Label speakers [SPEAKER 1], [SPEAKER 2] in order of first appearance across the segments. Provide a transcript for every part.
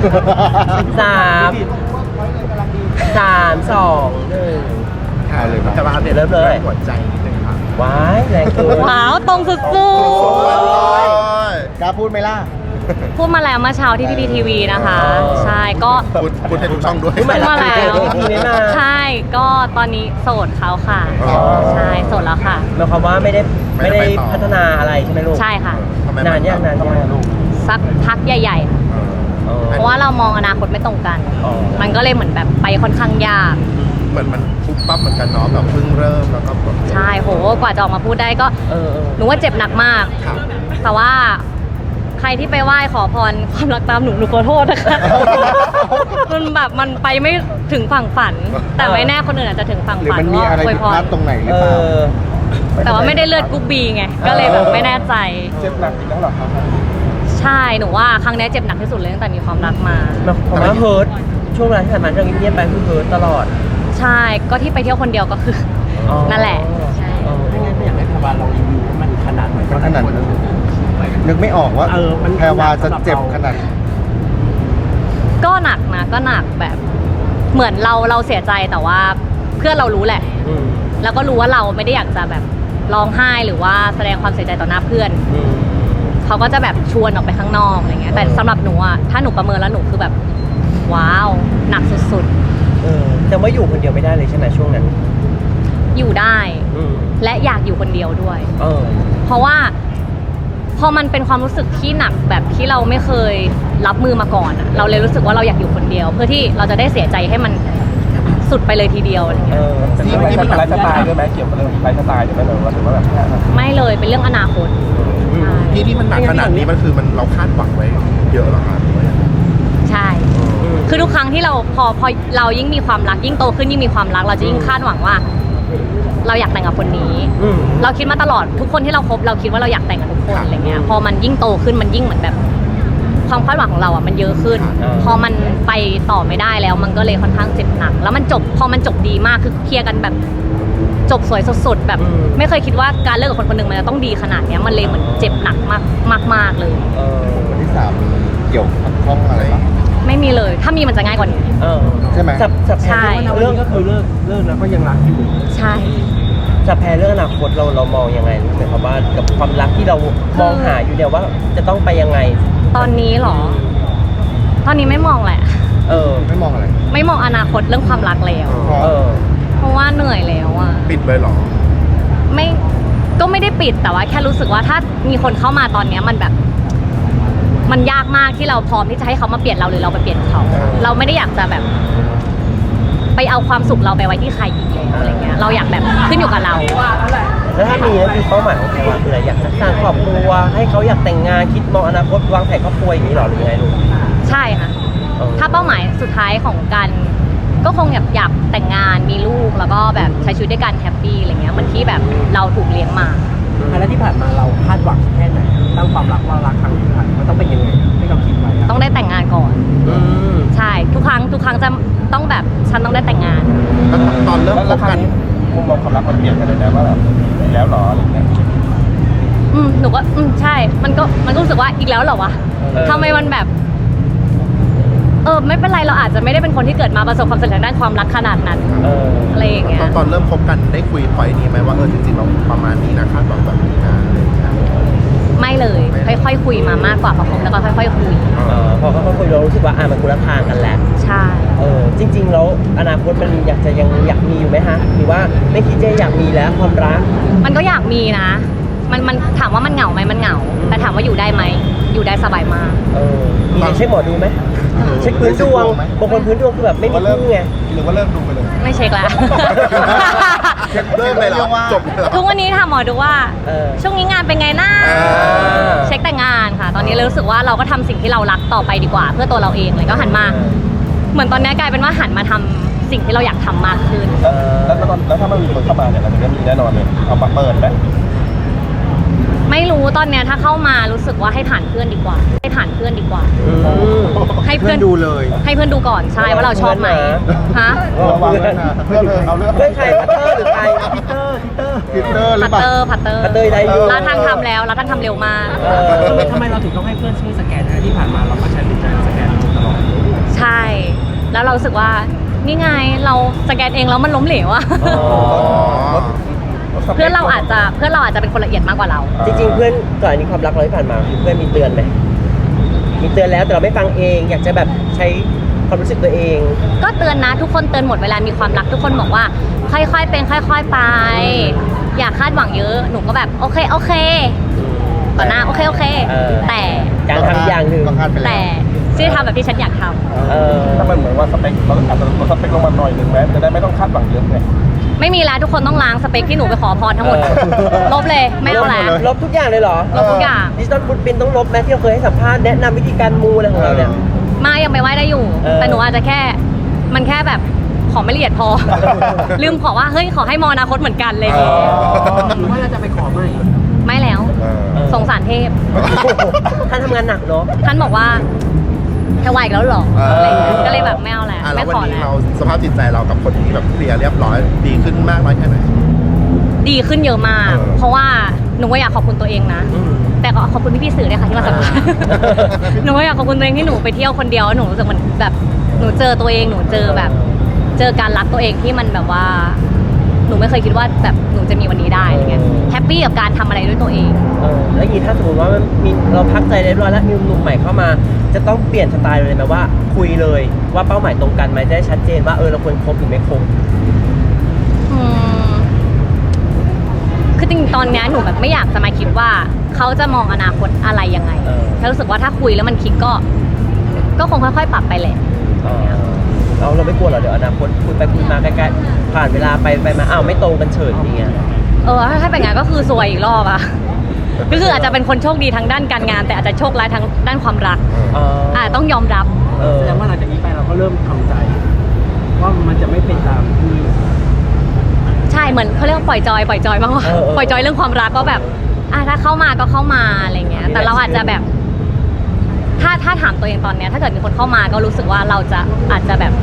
[SPEAKER 1] 3 2 1
[SPEAKER 2] ถ่ายเลย
[SPEAKER 1] จะมาอัปเดตเริ่มเลยหัวใจนิดนึงครับว้ายแรงเกิน
[SPEAKER 3] ว้าวตรงสุด
[SPEAKER 2] กล้าพูดไหมล่ะ
[SPEAKER 3] ๆพูดมาแล้วเมื่อเช้าที่พีพีทีวีนะคะใช่ก็
[SPEAKER 2] พูดให้ทุกช่องด้วย
[SPEAKER 3] พูดมาแล้ว
[SPEAKER 1] ไม่มา
[SPEAKER 3] ใช่ก็ตอนนี้โสดเขาค่ะ
[SPEAKER 2] อ๋อ
[SPEAKER 3] ใช่โสดแล้วค่ะ
[SPEAKER 1] หมายความว่าไม่ได้พัฒนาอะไรใช่ไหมลูก
[SPEAKER 3] ใช่ค่ะ
[SPEAKER 2] ทำไม
[SPEAKER 1] นานยังลูก
[SPEAKER 3] สักพักใหญ่ๆค่ะเพราะว่าเรามองอนาคตไม่ตรงกัน
[SPEAKER 1] อ๋อ
[SPEAKER 3] มันก็เลยเหมือนแบบไปค่อนข้างยาก
[SPEAKER 2] เหมือนมันปุ๊บปั๊บเหมือนกันเนาะแบบเพิ่งเริ่มแล้วก็แบบ
[SPEAKER 3] ใช่โหกว่าจะออกมาพูดได้ก็หนูว่าเจ็บหนักมาก
[SPEAKER 2] ครับ
[SPEAKER 3] แต่ว่าใครที่ไปไหว้ขอพรความรักตามหนูขอโทษนะคะ มันแบบมันไปไม่ถึงฝั่งฝัน แต่ไม่แน่คนอื่นอาจจะถึงฝั่ง
[SPEAKER 2] หรือ
[SPEAKER 3] ฝัน
[SPEAKER 2] มันมี
[SPEAKER 3] ว่า
[SPEAKER 2] อะไร
[SPEAKER 3] อวย
[SPEAKER 2] ผิด
[SPEAKER 3] พ
[SPEAKER 2] พลาร ดตรงไหนหรือเปล่า
[SPEAKER 3] แต่ว่าไม่ได้เลือดกรุ๊ปบีไงก็เลยแบบไม่แน่ใจ
[SPEAKER 2] เจ็บหนักอีกแล้วเหรอครับ
[SPEAKER 3] ใช่หนูว่าครั้งนี้เจ็บหนักที่สุดเลยตั้งแต่มีความรักมา
[SPEAKER 1] ผมว่าเฮิร์ตช่วงเวลาที่ผ่านมาเราเงียบๆไปคือเฮิร์ตตลอด
[SPEAKER 3] ใช่ก็ที่ไปเที่ยวคนเดียวก็คืออนั่นแหละใช่
[SPEAKER 4] ไม่งั้นไม่อยากให้แพรวาลองรีวิวว่ามันขนาดไหน
[SPEAKER 2] มันขนาดนั้นนึกไม่ออกว่า
[SPEAKER 4] มัน
[SPEAKER 2] แพรวาจะเจ็บขนาด
[SPEAKER 3] ก็หนักนะก็หนักแบบ เหมือนเราเสียใจแต่ว่าเพื่อนเรารู้แหละ แล้วก็รู้ว่าเราไม่ได้อยากจะแบบร้องไห้หรือว่าแสดงความเสียใจต่อหน้าเพื่อนเขาก็จะแบบชวนออกไปข้างนอกอะไรเงี้ยแต่สำหรับหนูอะถ้าหนูประเมินแล้วหนูคือแบบว้าวหนักสุด
[SPEAKER 1] แต่ว่าอยู่คนเดียวไม่ได้เลยใช่ไหมช่วงนั้น
[SPEAKER 3] ๆอยู่ได้ และอยากอยู่คนเดียวด้วย เพราะว่าพอมันเป็นความรู้สึกที่หนักแบบที่เราไม่เคยรับมือมาก่อนอะเราเลยรู้สึกว่าเราอยากอยู่คนเดียว เพื่อที่เราจะได้เสียใจให้มันสุดไปเลยทีเดียวอะไรเงี้ย
[SPEAKER 4] ที่มันไลฟ์สไตล์ด้วยไหมเกี่ยวกับเรื่องไลฟ์สไตล์ด้วยไหมหรือว่าแบบ
[SPEAKER 3] ไม่เลยเป็นเรื่องอนาคตใช่
[SPEAKER 2] ที่มันหนักขนาดนี้มันคือมันเราคาดหวังไว้เยอะเหรอครับ
[SPEAKER 3] ใช่ คือทุกครั้งที่เราพอเรายิ่งมีความรักยิ่งโตขึ้นยิ่งมีความรักเราจะยิ่งคาดหวังว่า เราอยากแต่งกับคนนี้ เราคิดมาตลอดทุกคนที่เราคบเราคิดว่าเราอยากแต่งกับทุกคนอะไรเงี้ยพอมันยิ่งโตขึ้นมันยิ่งเหมือนแบบความคาดหวังของเราอ่ะมันเยอะขึ้น พอมันไปต่อไม่ได้แล้วมันก็เลยค่อนข้างเจ็บหนัก แล้วมันจบพอมันจบดีมากคือเคลียร์กันแบบจบสวยสดๆแบบไม่เคยคิดว่าการเลิกกับคนคนหนึ่งมันจะต้องดีขนาดเนี้ยมันเลยเหมือนเจ็บหนักมากเลย
[SPEAKER 2] คนที่ 3มีเกี่ยวข้องอะไรบ้าง
[SPEAKER 3] ไม่มีเลยถ้ามีมันจะง่ายกว่านี้
[SPEAKER 2] ใช่ไหม
[SPEAKER 3] ใช่
[SPEAKER 4] เรื่องก็คือเลิกแล้วก็ยังรักอยู่
[SPEAKER 3] ใช่
[SPEAKER 1] จะแพ้เรื่องอนาคตเรามองยังไงหมายความว่ากับความรักที่เรามองหาอยู่เนี่ยว่าจะต้องไปยังไง
[SPEAKER 3] ตอนนี้เหรอ ตอนนี้ไม่มองแหละ
[SPEAKER 2] ไม่มองอะไร
[SPEAKER 3] ไม่มองอนาคตเรื่องความรักแล้ว เพราะว่าเหนื่อยแล้วอ่ะ
[SPEAKER 2] ปิดเลยเหรอ
[SPEAKER 3] ไม่ก็ไม่ได้ปิดแต่ว่าแค่รู้สึกว่าถ้ามีคนเข้ามาตอนเนี้ยมันแบบ มันยากมากที่เราพร้อมที่จะให้เขามาเปลี่ยนเราหรือเราไปเปลี่ยนเขา เราไม่ได้อยากจะแบบ ไปเอาความสุขเราไปไว้ที่ใครอีกแล้วอะไรเงี้ย เราอยากแบบขึ้นอยู่กับเรา
[SPEAKER 1] แล้วถ้ามีนั่นคือเป้าหมายของแพรวาคืออะไรอยากจะสร้างครอบครัวให้เขาอยากแต่งงานคิดมองอนาคตวางแผนครอบครัวอย่างนี้หรอหรือยังไงลูก
[SPEAKER 3] ใช่ค่ะ ถ้าเป้าหมายสุดท้ายของการก็คงอยากแต่งงานมีลูกแล้วก็แบบใช้ชีวิตด้วยกันแฮปปี้อะไรเงี้ยเหมือนที่แบบเราถูกเลี้ยงมา
[SPEAKER 4] แล้วที่ผ่านมาเราคาดหวังแค่ไหนตั้งความรักว่ารักครั้งที่ผ่านมันต้องเป็นยังไงที่เราคิดไว้
[SPEAKER 3] ต้องได้แต่งงานก่อนใช่ทุกครั้งจะต้องแบบฉันต้องได้แต่งงาน
[SPEAKER 2] แล้วตอนเริ่มคบกัน
[SPEAKER 4] มุมมองความรักมันเปลี่ยนกันเลยนะว่าแบบอีกแล้วหรออะไรเงี้ย
[SPEAKER 3] หนูก็ใช่มันก็รู้สึกว่าอีกแล้วเหรอวะทำไมมันแบบไม่เป็นไรเราอาจจะไม่ได้เป็นคนที่เกิดมาประสบความสำเร็จด้านความรักขนาดนั้นอะไรอย่างเงี้ย
[SPEAKER 2] ตอนเริ่มคบกันได้คุยพอยนี้ไหมว่าจริงๆเราประมาณนี้นะคาดหวังแบบนี้นะอะไรอย่างเงี้ย
[SPEAKER 3] ไม่เลยค่อยๆคุยมามากกว่าพอคบแล้วก็ค่อยๆคุย
[SPEAKER 1] พอเขาคุยเรารู้สึกว่ามันคนละทางกันแล้ว
[SPEAKER 3] ใช่
[SPEAKER 1] จริงๆแล้วอนาคตมันยังอยากมีอยู่ไหมฮะหรือว่าไม่คิดจะอยากมีแล้วความรัก
[SPEAKER 3] มันก็อยากมีนะมันถามว่ามันเหงาไหมมันเหงาแต่ถามว่าอยู่ได้ไหมอยู่ได้สบายมาก
[SPEAKER 1] มีเช็คหมอดูไหมเช็คพื้นดวงบางคนพื้นดวงคือแบบไม่มีคู่ไง
[SPEAKER 2] หรือว่าเลิกดูไปเลย
[SPEAKER 3] ไม่เช็คแล้ว
[SPEAKER 2] เลิกเลยเหรอจบเลยเหรอ
[SPEAKER 3] ทุกวันนี้ถามหมอดูว่าช่วงนี้งานเป็นไงนะเช็คแต่งงานค่ะตอนนี้เลยรู้สึกว่าเราก็ทำสิ่งที่เรารักต่อไปดีกว่า เพื่อตัวเราเองเลยก็หันมาเหมือนตอนนี้กลายเป็นว่าหันมาทำสิ่งที่เราอยากทำมากขึ้น
[SPEAKER 4] แล้วถ้ามันมีคนเข้ามาเนี่ยเราจะมีแน่นอนเลยเอามาเปิดไหม
[SPEAKER 3] ไม่รู้ตอนเนี้ยถ้าเข้ามารู้สึกว่าให้ผ่านเพื่อนดีกว่าให้เพื่อน
[SPEAKER 2] ดูเลย
[SPEAKER 3] ให้เพื่อนดูก่อนใช่ว่าเราชอบไหมฮะ
[SPEAKER 2] ระวังด้วยนะเพื่อนเอาเรื่อง
[SPEAKER 1] เพื่อนใครพัตเตอร์หรือใครพีเตอร์หรือเปล่า
[SPEAKER 3] พัตเตอร์
[SPEAKER 1] ได้อยู่
[SPEAKER 3] ร้านทางทำแล้วร้านทางทำเร็วมาก
[SPEAKER 4] ทำไมเราถึงต้องให้เพื่อนช่วยสแกนนะที่ผ่านมาเราก็ใช้วิธีการสแกนตลอด
[SPEAKER 3] แล้วเรารู้สึกว่านี่ไงเราสแกนเองแล้วมันล้มเหลวอะ
[SPEAKER 1] อ๋อ
[SPEAKER 3] เพื่อนเราอาจจะเป็นคนละเอียดมากกว่าเรา
[SPEAKER 1] จริงๆเพื่อนก่อนอันนี้ความรักเราที่ผ่านมาคือเพื่อนมีเตือนไหมมีเตือนแล้วแต่เราไม่ฟังเองอยากจะแบบใช้ความรู้สึกตัวเอง
[SPEAKER 3] ก็เตือนนะทุกคนเตือนหมดเวลามีความรักทุกคนบอกว่าค่อยๆเป็นค่อย ๆไป อย่าคาดหวังเยอะหนูก็แบบโอเคต่อหน้าโอเค
[SPEAKER 1] เออ
[SPEAKER 3] แต่
[SPEAKER 1] การทำอย่างหนึ่ง
[SPEAKER 2] ก็คาดไปแล้ว
[SPEAKER 3] แต่ชื่อทำแบบที่ฉันอยากท
[SPEAKER 5] ถ้ามันเหมือนว่าสเปคเราอาจจะลดสเปคลงมาหน่อยหนึ่งแม้จะได้ไม่ต้องคาดหวังเยอะไง
[SPEAKER 3] ำไม่มีแล้วทุกคนต้องล้างสเปคที่หนูไปขอพรทั้งหมด
[SPEAKER 1] เออ
[SPEAKER 3] ลบเลยไม่เอาแล้ว
[SPEAKER 1] ลบทุกอย่างเลยเหรอ
[SPEAKER 3] ลบทุกอย่าง
[SPEAKER 1] ดิจิตอลฟุตปรินท์ต้องลบไหมที่เราเคยให้สัมภาษณ์แนะนำวิธีการมูอะไรของเราเนี่ย
[SPEAKER 3] มายังไปไหว้ได้อยู่
[SPEAKER 1] เออ
[SPEAKER 3] แต่หนูอาจจะแค่มันแค่แบบขอไม่ละเอียดพอ ลืมขอว่าเฮ้ยขอให้มออนาคตเหมือนกันเลย
[SPEAKER 2] อ๋อ
[SPEAKER 4] หรือว่าเราจะไปขอใหม่
[SPEAKER 3] ไม่แล้ว สงสารเทพ
[SPEAKER 1] ท่านทำงานหนักเนาะ
[SPEAKER 3] ท่านบอกว่าจะไหวอีกแล้วเหรออะไรอย่างเงี้ยก็เลยแบบไม่เอาแล้ว
[SPEAKER 2] แล้
[SPEAKER 3] ไม่
[SPEAKER 2] ววัน
[SPEAKER 3] ขอ
[SPEAKER 2] นี้
[SPEAKER 3] แล้ว
[SPEAKER 2] เราสภาพจิตใจเรากับคนที่แบบเคลียร์เรียบร้อยดีขึ้นมากน้อยแค่ไหน
[SPEAKER 3] ดีขึ้นเยอะมาก
[SPEAKER 2] เออ
[SPEAKER 3] เพราะว่าหนูก็อยากขอบคุณตัวเองนะ แต่ก็ขอบคุณพี่ๆสื่อด้วยค่ะที่มาสัมภาษณ์ หนูก็อยากขอบคุณตัวเองที่หนูไปเที่ยวคนเดียวแล้วหนูรู้สึกมันแบบหนูเจอตัวเองหนูเจอแบบ เจอการรักตัวเองที่มันแบบว่า หนูไม่เคยคิดว่าแบบหนูจะมีวันนี้ได้อะไรเงี้ยแฮปปี้กับการทำอะไรด้วยตัวเอง
[SPEAKER 1] แล้วอย่างนี้ถ้าสมมติว่ามันมีเราพักใจเรียบร้อยแล้วมีหนุ่มใหม่เข้ามา จะต้องเปลี่ยนสไตล์เลยไหมว่าคุยเลยว่าเป้าหมายตรงกันไหมจะได้ชัดเจนว่าเราควรคบหรือไม่คบ
[SPEAKER 3] อืมคือจริงๆตอนเนี้ยหนูแบบไม่อยากจะมาคิดว่าเขาจะมองอนาคตอะไรยังไง
[SPEAKER 1] เออ
[SPEAKER 3] แค่รู้สึกว่าถ้าคุยแล้วมันคลิกก็คงค่อยๆปรับไปแหละ
[SPEAKER 1] เราไม่กลัวหรอเดี๋ยวอนาคตคุยไปคุยมาใกล้ๆผ่านเวลาไปมาอ้าวไม่ตรงกันเฉยอย่างเงี้ย
[SPEAKER 3] ถ้าเป็นงั้นก็คือซวยอีกรอบอะ ก็คืออาจจะเป็นคนโชคดีทางด้านการงาน แต่อาจจะโชคร้ายทางด้านความรักต้องยอมรับ
[SPEAKER 4] แสดงว่าหลังจากนี้ไปเราก็เริ่มทำใจ ว่ามันจะไม่เป็นตามที่
[SPEAKER 3] ใช่เหมือนเขาเรียกว่าปล่อยจอยมากกว่าปล่อยจอยเรื่องความรักก็แบบถ้าเข้ามาก็เข้ามาอะไรเงี้ยแต่เราอาจจะแบบ ถ้าถามตัวเองตอนเนี้ยถ้าเกิดมีคนเข้ามาก็รู้สึกว่าเราจะอาจจะแบบ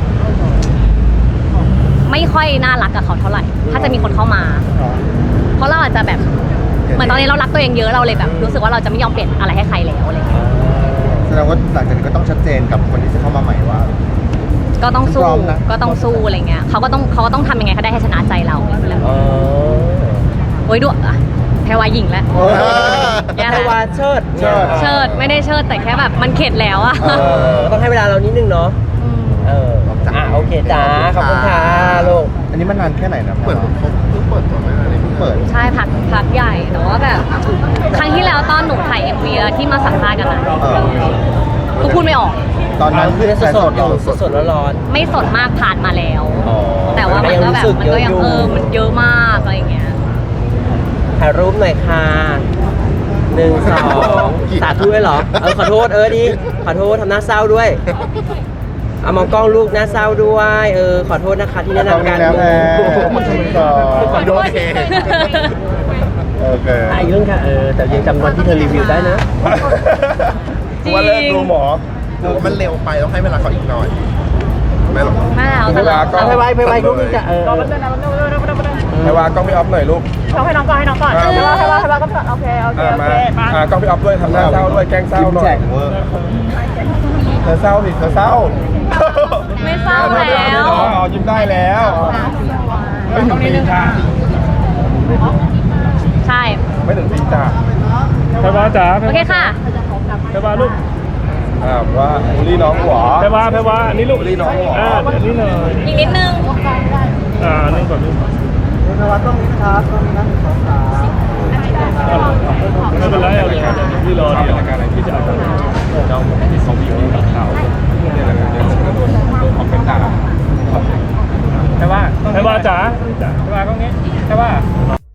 [SPEAKER 3] ไม่ค่อยน่ารักกับเขาเท่าไหร่ ถ้าจะมีคนเข้ามา เพราะเราอาจจะแบบเหมือนตอนนี้เรารักตัวเองเยอะเราเลยแบบ รู้สึกว่าเราจะไม่ยอมเปลี่ยนอะไรให้ใครแล้วอะไรเงี้ย
[SPEAKER 2] แสดงว่าหลังจากนี้ก็ต้องชัดเจนกับคนที่จะเข้ามาใหม่ว่า
[SPEAKER 3] ก็ต้องสู้
[SPEAKER 2] พร้อมนะ
[SPEAKER 3] ก็ต้องสู้อะไรเงี้ยเขาก็ต้องทำยังไงเขาได้ให้ชนะใจเราอะไรเงี้ยโอ้ยด้วยแพรวาหญิงแล้ว แย่
[SPEAKER 1] แพ
[SPEAKER 3] แล้
[SPEAKER 1] ร
[SPEAKER 3] ว
[SPEAKER 1] วาเชิด
[SPEAKER 3] เชิดไม่ได้เชิดแต่แค่แบบมันเข็ดแล้วอะ
[SPEAKER 1] ต้องให้เวลาเรานิดนึงเนาะโอเคจ้าขอบคุณค่ะลูก
[SPEAKER 2] อันนี้มันนานแค่ไหนนะเปิดเขาเพิ่งเปิดตัวไม่นานเลยเพิ่งเปิด
[SPEAKER 3] ใช่พักใหญ่แต่ว่าแบบครั้งที่แล้วตอนหนูถ่าย MV แล้วที่มาสัมภาษณ์กันนะก็พูดไม่ออก
[SPEAKER 2] ตอนนั้น
[SPEAKER 1] คือสดๆอยู่สดๆร้อน
[SPEAKER 3] ไม่สดมากผ่านมาแล้ว
[SPEAKER 1] ๆ
[SPEAKER 3] แต่ว่ามันก็แบบมันก็ยัง
[SPEAKER 1] อยู่
[SPEAKER 3] มันเยอะมากอะไรอย่างเงี้ย
[SPEAKER 1] ถ่ายรูปหน่อยค่ะ1 2 สาธุด้วยเหรอขอโทษดีขอโทษทำหน้าเศร้าด้วยเอามองกล้องลูกหน้าเศร้าด้วยขอโทษนะคะที่แนะนำการ
[SPEAKER 2] แล้ว
[SPEAKER 3] ขอโทษ
[SPEAKER 2] โอเค
[SPEAKER 1] อีกเรื่องค่ะแต่ยังจำวันที่เธอรีวิวได้นะ
[SPEAKER 3] จริง
[SPEAKER 5] ว่าเลิกดูหมอ
[SPEAKER 2] หรือว่ามันเร็วไปต้องให้เวลาเขาอีกหน่อยไม่หรอก
[SPEAKER 3] ไม่แล้วแต่เรา
[SPEAKER 5] ก็
[SPEAKER 1] ไปไว้ลูกนี่จะ
[SPEAKER 5] ให้ว่ากล้องพี่ออฟหน่อยลูก
[SPEAKER 6] ให้น้องก่อนให้น้องก่อนให้ว่าก็โอเคโอเค
[SPEAKER 5] มากล้องพี่ออฟด้วยทำหน้าเศร้าด้วยแกล้งเศร้าหน่อย
[SPEAKER 2] เวอร์
[SPEAKER 5] เธอเศร้าสิเธอเศร้า
[SPEAKER 3] ไม่เศร้าแล้ว
[SPEAKER 5] ยิ้มได้แล้วไม่ถึงปีจ้า
[SPEAKER 3] ใช่
[SPEAKER 5] ไม่ถึงปีจ้าไปว่าจ๋า
[SPEAKER 3] โอเคค่ะ
[SPEAKER 5] ไปว่าลูกว่าบูลลี่น้องหัวไปว่าอันนี้ลูกบูลลี่น้องหัวอันนี้เลย
[SPEAKER 3] อีกนิดนึง
[SPEAKER 5] นี่ก่อนลูก
[SPEAKER 4] นวัดต้องมีครับต้องมีนั่งสองขา
[SPEAKER 5] ไม่เป็นไรเอาเลยพี่รอเดี๋ยวรายการอะไรพี่จะเอา